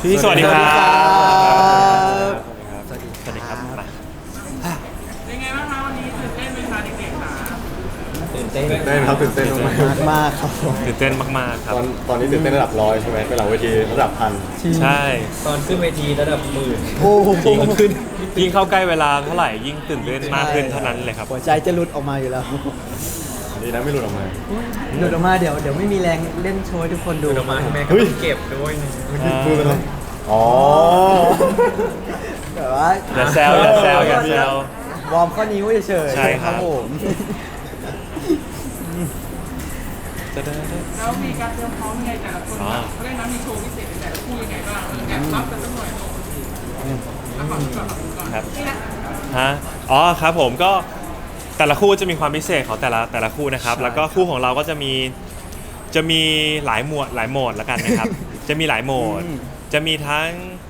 พี่สวัสดีครับสวัสดีสวัสดีครับมาเป็นไงบ้างคะวันนี้ตื่นเต้นไหมคะเด็กๆคะตื่นเต้นตื่นเต้นครับตื่นเต้นมากมากครับผมตื่นเต้นมากๆคๆรับตอนนี้ตื่นเต้นระดับร้อยใช่ไหมเป็นหลังเวทีระดับพันใช่ตอนขึ้นเวทีระดับหมื่นโอ้โหยิ่งเข้าใกล้เวลาเท่าไหร่ยิ่งตื่นเต้นมากขึ้นเท่านั้นเลยครับหัวใจจะหลุดออกมาอยู่แล้วดีนะไม่หลุดออกมาหลุดออกมาเดี๋ยวไม่มีแรงเล่นโชว์ให้ทุกคนดูออกมาแม่ก็เฮ้ยเก็บด้วยนะพูดเป็นไรอ๋อแต่ว่าอย่าแซวอย่าแซวอย่าแซววอร์มข้อนิ้วเฉยๆใช่ครับผมแล้วมีการเตรียมพร้อมยังไงแต่ละคนแบบเขาเรียกนะมีโชว์พิเศษในแต่ละคู่ยังไงบ้างแอบรับกันสักหน่อยเนาะแล้วก่อนก่อนครับนี่นะฮะอ๋อครับผมก็แต่ละคู่จะมีความพิเศษของแต่ละคู่นะครับ แล้วก็คู่ของเราก็จะมีหลายโหมดแล้วกันนะครับ จะมีหลายโหมด จะมีทั้ง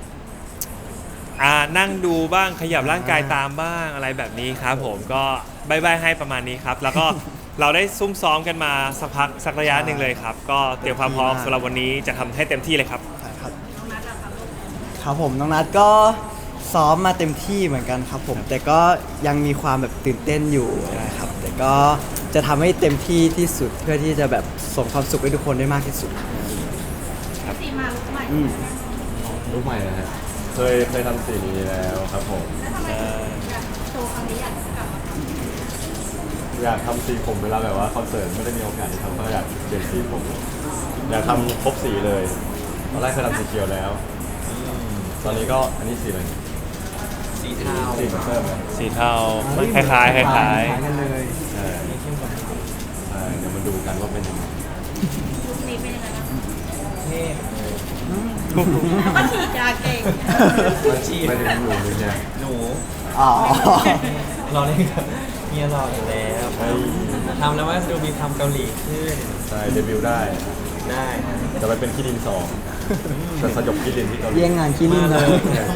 นั่งดูบ้างขยับร่างกายตามบ้างอะไรแบบนี้ครับผมก็บายให้ประมาณนี้ครับ แล้วก็เราได้ซุ่มซ้อมกันมาสักพักสักระยะหนึ่งเลยครับ ก็เตรียมความพร้อมสำหรับวันนี้จะทำให้เต็มที่เลยครับครับครับผมน้องนัทก็ซ้อมมาเต็มที่เหมือนกันครับผม แต่ก็ยังมีความแบบตื่นเต้นอยู่นะครับ แต่ก็จะทำให้เต็มที่ที่สุดเพื่อที่จะแบบส่งความสุขให้ทุกคนได้มากที่สุดสีมาลุกใหม่อืมรูปใหม่นะฮะเคยทำสีนี้แล้วครับผมแล้วทำไมอยากโชว์ครั้งนี้อยากกลับมาทำอยากทำสีผมเวลาแบบว่าคอนเสิร์ตไม่ได้มีโอกาสได้ทำก็อยากเปลี่ยนสีผมอยากทำครบสีเลยตอนแรกเคยทำสีเขียวแล้วตอนนี้ก็อันนี้สีอะไรสีเทาสีเพิ่มไหมสีเทาคล้ายๆกันเลยใช่ใช่เดี๋ยวมาดูกันว่าเป็นยังไงลุคนี้เป็นยังไงบ้างเท่แล้วก็ฉีดยาเก่งไม่ถึงหนูเลยเนี่ยหนูอ๋อรอเล่นกับเมียรออยู่แล้วใช่ทำแล้วว่าจะดูมีความเกาหลีขึ้นใช่เดบิวต์ได้ได้นะจะไปเป็นขี้ดินสองจะสยบขี้ดินที่เกาหลีเยี่ยงงานขี้นิ่งเลย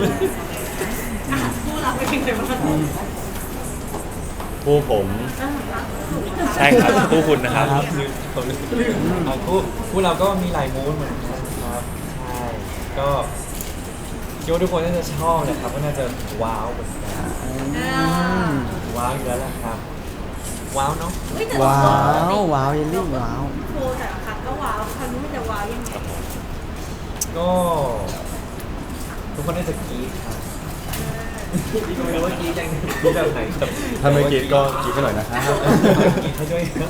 คู่เราเป็นยังไงบ้างผู้ผมใช่ครับคู่คุณนะครับเอาคู่เราก็มีหลายมูดเหมือนกันครับใช่ก็คิดว่าทุกคนน่าจะชอบนะครับก็น่าจะว้าวเหมือนกันว้าวอยู่แล้วแหละครับ ว้าวเนาะว้าวว้าวเยลลี่ว้าวโชว์แต่ละครั้งก็ว้าวครั้งนี้มันจะว้าวยังไงก็ทุกคนน่าจะกรี๊ดครับไม่รู้ว่ากรี๊ดยังกรี๊ดแบบไหนแต่ถ้าไม่กรีดก็กรีดให้หน่อยนะครับกรี๊ดให้ด้วยครับ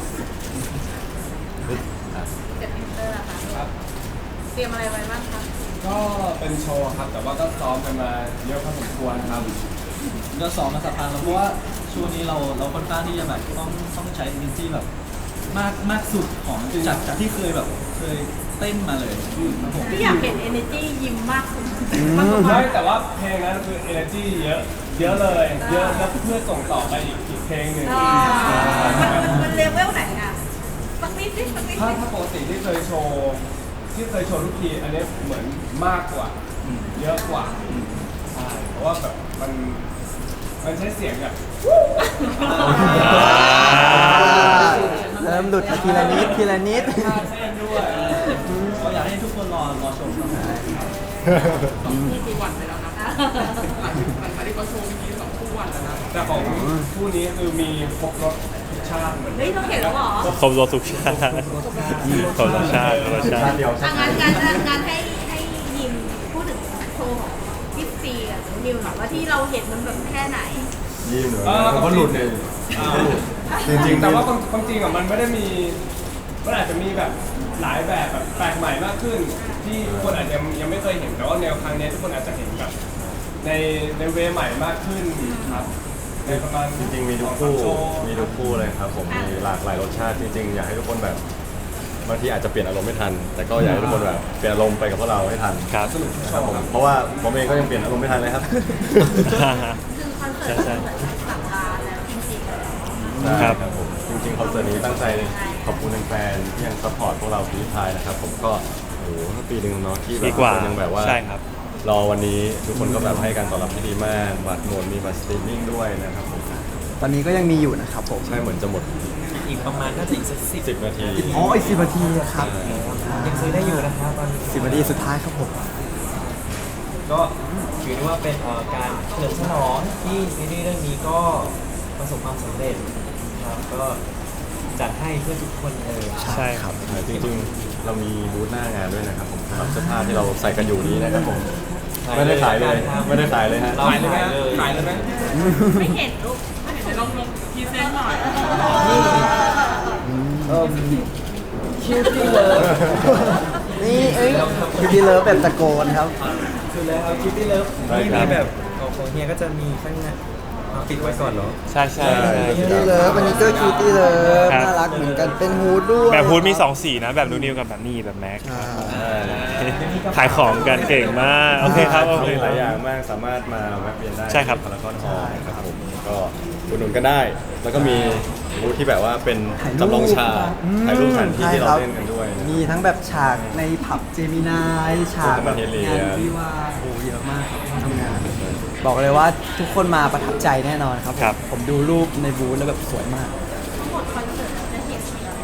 เจ็ดมิเตอร์อะค่ะเตรียมอะไรไว้บ้างคะก็เป็นโชว์ครับ แต่ว่าก็ซ้อมกันมาเยอะพอสมควรครับก็ซ้อมมาสักพักแล้วเพราะว่าช่วงนี้เราค่อนข้างที่จะแบบต้องใช้ energy แบบมากสุดของจากที่เคยแบบเคยเต้นมาเลยครับผมที่อยากเห็น energy ยิ้มมากขึ้นไม่แต่ว่าเพลงนั้นคือ energy เยอะเลยเยอะแล้วเพื่อส่งต่อไปอีกเพลงหนึ่งมันเลเวลไหนอะสักนิดสักนิดถ้าปกติที่เคยโชว์ทุกทีอันนี้เหมือนมากกว่าเยอะกว่าใช่เพราะว่าแบบมันใช้เสียงแบบเริ่มหลุดมาทีละนิดทีละนิดท่าเต้นด้วยก็อยากให้ทุกคนรอชมครับคู่คือวันไปแล้วนะหลังจากที่เขาโชว์เมื่อกี้2 คู่วันแล้วนะแต่ของคู่นี้คือมีครบรสทุกชาติเหมือนเฮ้ยเราเห็นแล้วเหรอครบรสทุกชาติครบรสชาติครบรสชาชาติติเดียวอ่ะงานให้ยิมพูดถึงโชว์ของพี่ซีกับนิวหน่อยว่าที่เราเห็นมันแบบแค่ไหนยิ้มเหรอมันก็หลุดเลยจริงๆแต่ว่าความจริงอ่ะมันไม่ได้มีมันอาจจะมีแบบหลายแบบแปลกใหม่มากขึ้น ที่คนอาจจะยังไม่เคยเห็นแต่ว่าแนวครั้งนี้ทุกคนอาจจะเห็นแบบในเวใหม่มากขึ้นครับในประมาณจริงๆมีทุกคู่เลยครับผมมีหลากหลายรสชาติจริงๆอยากให้ทุกคนแบบบางทีอาจจะเปลี่ยนอารมณ์ไม่ทัน แต่ก็อยากให้ทุกคนแบบเปลี่ยนอารมณ์ไปกับพวกเราให้ทันครับครับผมเพราะว่าผมเองก็ยังเปลี่ยนอารมณ์ไม่ทันเลยครับคือคอนเสิร์ตมันเหมือนสัปดาห์แล้วจริงๆเลยครับผมจริงๆคอนเสิร์ตนี้ตั้งใจขอบคุณแฟนๆที่ยังซัพพอร์ตพวกเราพีพายนะครับผมก็โอ้โหปีหนึ่งเนาะที่แบดีบกว่ายังแบบว่าใช่ครับรอวันนี้ทุกคนก็แบบให้การตอบรับที่ดีมากบัตรหมดมีบัตรสตรีมมิ่งด้วยนะครับผมตอนนี้ก็ยังมีอยู่นะครับผมใช่เหมือนจะหมดอีกประมาณน่าจะอีกสัก10 10 นาทีอ๋ออีก10 นาทีครับยังซื้อได้อยู่นะครับตอนนี้ 10 นาทีสุดท้ายครับผมก็ถือได้ว่าเป็นการเฉลิมฉลองที่ซีรีส์เรื่องนี้ก็ประสบความสำเร็จครับก็จัดให้เพื่อทุกคนเลยใช่ครับจริงๆเรามีบูธหน้างานด้วยนะครับผมสำหรับเสื้อผ้าที่เราใส่กันอยู่นี้นะครับผมไม่ได้ขายเลยไม่ได้ขายเลยฮะเราขายเลยไหมขายเลยขายเลยไหมไม่เห็นลูกเดี๋ยวลองพรีเซนต์หน่อยคิวตี้เลิฟนี่คิวตี้เลิฟแบบตะโกนครับคือแล้วเอาคิดที่เลิฟนี่มีแบบของเฮียก็จะมีข้างในเอาปิดไว้ก่อนเหรอใช่ใช่ใช่คิวตี้เลิฟอันนี้ก็คิวตี้เลิฟครับน่ารักเหมือนกันเป็นฮูดด้วยแบบฮูดมี2สีนะ แบบนูนิวกับแบบนี่แบบแม็กอ่าขายของกันเก่งมากโอเคครับโอเคมีคหรัลาบยอย่างมากสามารถมาแวะเวียนได้ใช่ครับพารากอนฮอลล์นะครับผมก็อุดหนุนกันได้ แล้วก็มีบูธที่แบบว่าเป็นจำลองฉากถ่ายรูปสถานที่ที่เราเล่นกันด้วยนะมีทั้งแบบฉากในผับเจมินายฉากแบบเฮเลียงานวิวาห์โอ้เยอะมากครับทำงาน บอกเลยว่าทุกคนมาประทับใจแน่นอนครับครับผมดูรูปในบูธแล้วแบบสวยมากทั้งหมดคอนเสิร์ตเราจะเห็น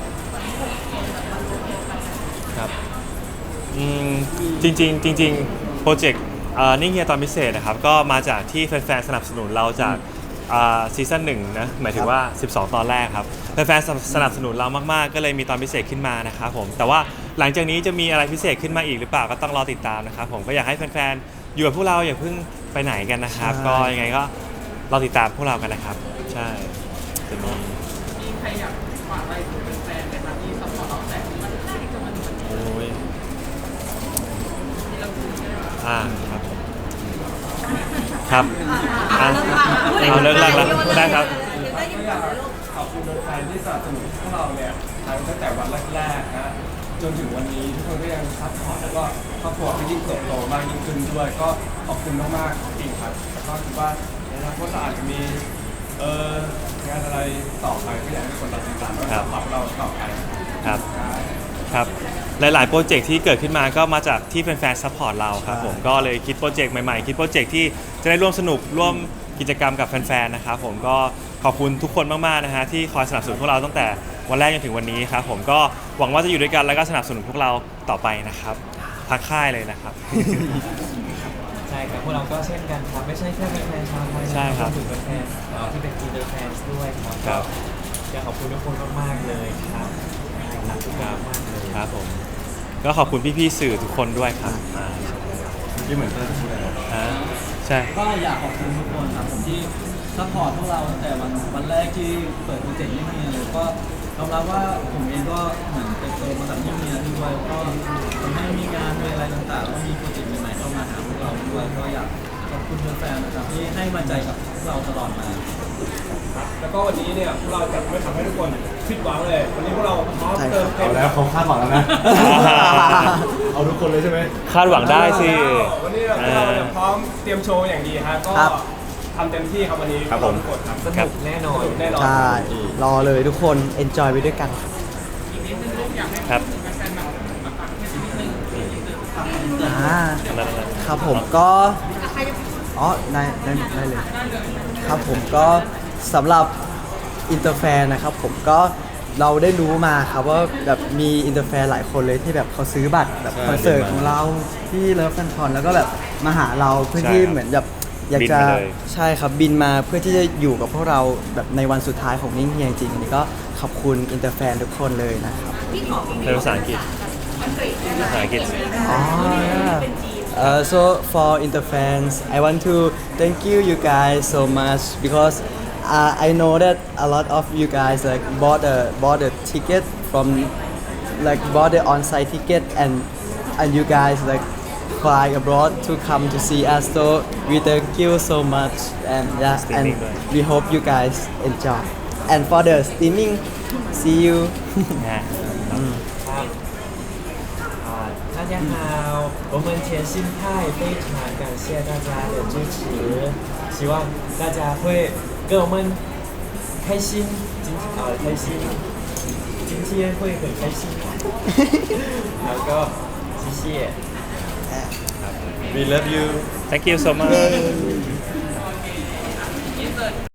ครับจริงๆโปรเจกต์นิ่งเฮียตอนพิเศษนะครับก็มาจากที่แฟนๆสนับสนุนเราจากซีซั่น1นะหมายถึงว่า 12 ตอนแรกครับแฟนๆสนับสนุนเรามากๆ ก็เลยมีตอนพิเศษขึ้นมานะครับผมแต่ว่าหลังจากนี้จะมีอะไรพิเศษขึ้นมาอีกหรือเปล่าก็ต้องรอติดตามนะครับผมก็อยากให้แฟนๆอยู่กับพวกเราอย่าเพิ่งไปไหนกันนะครับใช่ก็ยังไงก็รอติดตามพวกเรากันนะครับใช่จะมีมีใครอยากฝากอะไรถึงแฟนๆไหมครับที่ซัพพอร์ตเราแต่มันได้ก็มันโอ้ยครับผมครับเอาเลิกลากแล้วได้ครับก็อยากขอบคุณแฟนๆที่สนับสนุนพวกเราเนี่ยตั้งแต่วันแรกๆนะจนถึงวันนี้ทุกคนก็ยังซัพพอร์ตแล้วก็ครอบครัวก็ยิ่งเติบโตมากยิ่งขึ้นด้วยก็ขอบคุณมากๆจริงครับแล้วก็คิดว่าในอนาคตเราอาจจะมีงานอะไรต่อไปก็อยากให้คนเราติดตามแล้วก็ซัพพอร์ตเราต่อไปครับครับหลายๆโปรเจกต์ที่เกิดขึ้นมาก็มาจากที่แฟนๆซัพพอร์ตเราครับผมก็เลยคิดโปรเจกต์ใหม่ๆคิดโปรเจกต์ที่จะได้ร่วมสนุกร่วมกิจกรรมกับแฟนๆนะครับผมก็ขอบคุณทุกคนมากๆนะฮะที่คอยสนับสนุนพวกเราตั้งแต่วันแรกจนถึงวันนี้ครับผมก็หวังว่าจะอยู่ด้วยกันแล้วก็สนับสนุนพวกเราต่อไปนะครับทักค่ายเลยนะครับใช่ครับพวกเราก็เช่นกันครับไม่ใช่แค่แฟนๆชาวไทยนะใช่ครับวมถึงแฟนๆที่เป็นอินเตอร์แฟนด้วยครับครับอยากขอบคุณทุกคนมากๆเลยครับรักทุกคนมากเลยครับผมก็ขอบคุณพี่ๆสื่อทุกคนด้วยครับอ่าที่เหมือนเพื่อนพูดอะไรอ่าใช่ก็อยากขอบคุณทุกคนครับผมที่ซัพพอร์ตพวกเราตั้งแต่วันแรกที่เปิดโปรเจกต์ยิ่งเมียเลยก็ยอมรับว่าผมเองก็เหมือนเติบโตมาจากยิ่งเมียด้วยก็ทำให้มีงานมีอะไรต่างๆก็มีโปรเจกต์ใหม่ๆเข้ามาหาพวกเราด้วยก็อยากขอบคุณแฟนๆนะครับที่ให้มั่นใจกับพวกเราตลอดมาแล้วก็วันนี้เนี่ยพวกเราจะไม่ทำให้ทุกคนผิดหวังเลย วันนี้พวกเราพร้อมเติมเต็เอามแล้วเขาคาดหวังแล้วนะ เอาทุกคนเลยใช่ไหมคาดหวังได้สิวันนี้เราเนี่ยพร้อมเตรียมโชว์อย่างดีฮะก็ครับทำเต็มที่ครับวันนี้ครับผมทุกคนครับสนุกแน่นอนสนุกแน่นอนใช่ รอเลยทุกคน enjoy ไปด้วยกันครับอ่านั่นๆครับผมก็อ๋อได้เลย ครับผมก็สำหรับอินเตอร์แฟนนะครับผมก็เราได้รู้มาครับว่าแบบมีอินเตอร์แฟนหลายคนเลยที่แบบเขาซื้อบัตรแบบใช่คอนเสิร์ตบินมาของเราที่เลิฟแฟนคอนแล้วก็แบบมาหาเราเพื่อใช่ที่ครับเหมือนแบบอยากจะบินมาเลยใช่ครับบินมาเพื่อที่จะอยู่กับพวกเราแบบในวันสุดท้ายของนิ่งเฮียจริงๆอันนี้ก็ขอบคุณอินเตอร์แฟนทุกคนเลยนะครับพี่ขอในภาษาอังกฤษอังกฤษได้ไหมภาษาอังกฤษอ๋อเป็นจีน So for Interfans, I want to thank you guys so much because I know that a lot of you guys like bought a ticket from like bought the on-site ticket and you guys like fly abroad to come to see us. So we thank you so much and yeah, and we hope you guys enjoy. And for the streaming, see you. นะครับ大家好，我们甜心派非常感谢大家的支持，希望大家会跟我们开心，开心，今天会很开心，然后谢谢。 We love you thank you so much